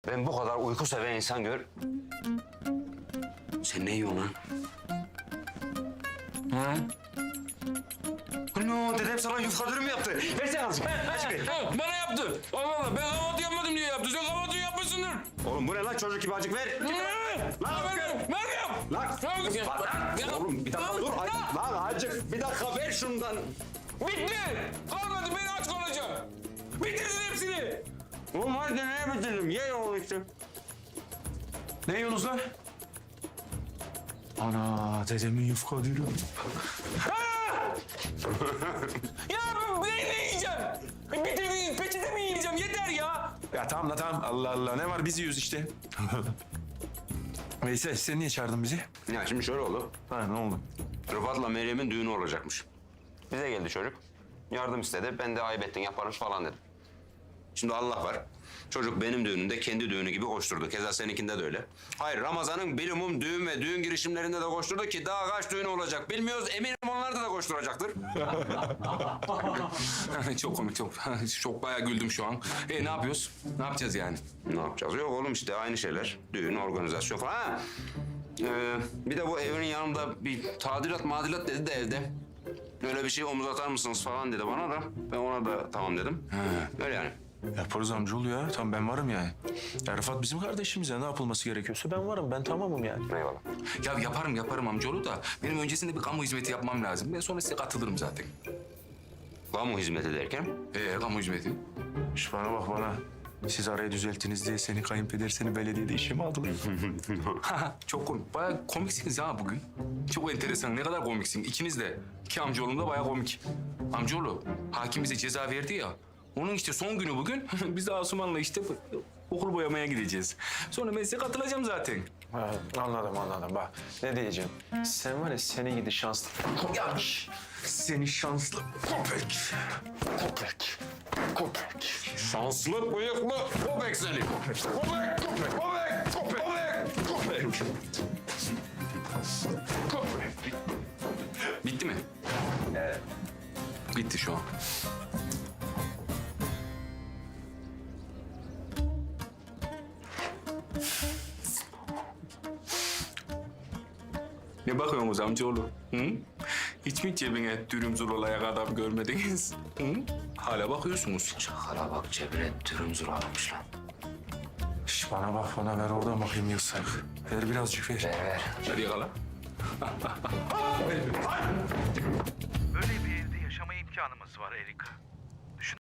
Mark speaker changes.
Speaker 1: Ben bu kadar uyku seven insan gör. Sen ne yiyorsun lan? Ha? Ano, dedem sana yufka dürüm yaptı. Versene azıcık. Azıcık ver.
Speaker 2: Bana yaptı. Allah Allah, ben kahvaltı yapmadım diye yaptı. Sen kahvaltı yapmışsındır.
Speaker 1: Oğlum bu ne lan, çocuk gibi azıcık ver.
Speaker 2: Meryem!
Speaker 1: Lan oğlum bir dakika dur. Lan azıcık bir dakika ver şundan.
Speaker 2: Bitti! Kalmadı, ben aç kalacağım. Bitirdin hepsini.
Speaker 1: Oğlum hadi neye bitirdim? Ye oğlum işte.
Speaker 3: Ne yiyorsunuz lan? Ana dedemin yufka dürüm.
Speaker 2: Ya ben ne yiyeceğim? Bitirdin, peçete mi yiyeceğim? Yeter ya.
Speaker 3: Ya tamam la tamam. Allah Allah ne var biz yiyoruz işte. Veysel sen niye çağırdın bizi?
Speaker 1: Ya şimdi şöyle oldu.
Speaker 3: Ha ne oldu?
Speaker 1: Rıfat'la Meryem'in düğünü olacakmış. Bize geldi çocuk. Yardım istedi. Ben de ayıp ettin yaparız falan dedim. Şimdi Allah var. Çocuk benim düğünümde kendi düğünü gibi koşturdu. Keza seninkinde de öyle. Hayır, Ramazan'ın bilimum düğün ve düğün girişimlerinde de koşturdu ki daha kaç düğünü olacak bilmiyoruz. Eminim onlar da koşturacaktır.
Speaker 2: Çok komik, çok bayağı güldüm şu an. Ne yapıyoruz? Ne yapacağız yani?
Speaker 1: Ne yapacağız? Yok oğlum işte aynı şeyler. Düğün, organizasyon falan. Ha. Bir de bu evin yanında bir tadilat dedi de evde. Öyle bir şey omuz atar mısınız falan dedi bana da. Ben ona da tamam dedim. Öyle yani.
Speaker 3: Yaparız amcaoğlu ya. Tamam ben varım yani. Ya Rıfat bizim kardeşimiz ya. Ne yapılması gerekiyorsa ben varım. Ben tamamım yani.
Speaker 1: Eyvallah.
Speaker 2: Ya yaparım amcaoğlu da benim öncesinde bir kamu hizmeti yapmam lazım. Ben sonra size katılırım zaten.
Speaker 1: Kamu hizmeti derken?
Speaker 2: Kamu hizmeti.
Speaker 3: Şş bana bak bana. Siz arayı düzelttiniz diye seni kayınpeder seni belediyede işe mi aldılar?
Speaker 2: Çok komik. Bayağı komiksiniz ya bugün. Çok enteresan. Ne kadar komiksin. İkiniz de. İki amcaoğlum da bayağı komik. Amcaoğlu, hakim bize ceza verdi ya. Onun işte son günü bugün. Biz de Asuman'la işte okul boyamaya gideceğiz. Sonra ben size katılacağım zaten.
Speaker 3: Ha, anladım. Bak ne diyeceğim. Sen var ya seni gidi şanslı.
Speaker 2: Yanlış. Seni şanslı köpek.
Speaker 1: Şanslı bıyıklı köpek seni.
Speaker 2: Bitti mi? Evet. Bitti şu an. Ne bakıyorsunuz amcaoğlu? Hı? Hiç mi cebine dürüm zurolayak adam görmediniz? Hı? Hala bakıyorsunuz.
Speaker 1: Çakala bak cebine dürüm zuralamış lan.
Speaker 3: Şş bana bak bana ver oradan bakayım yılsak. Ver birazcık ver.
Speaker 1: Ver.
Speaker 2: Hadi yakala.
Speaker 4: Böyle bir evde yaşama imkanımız var Erika.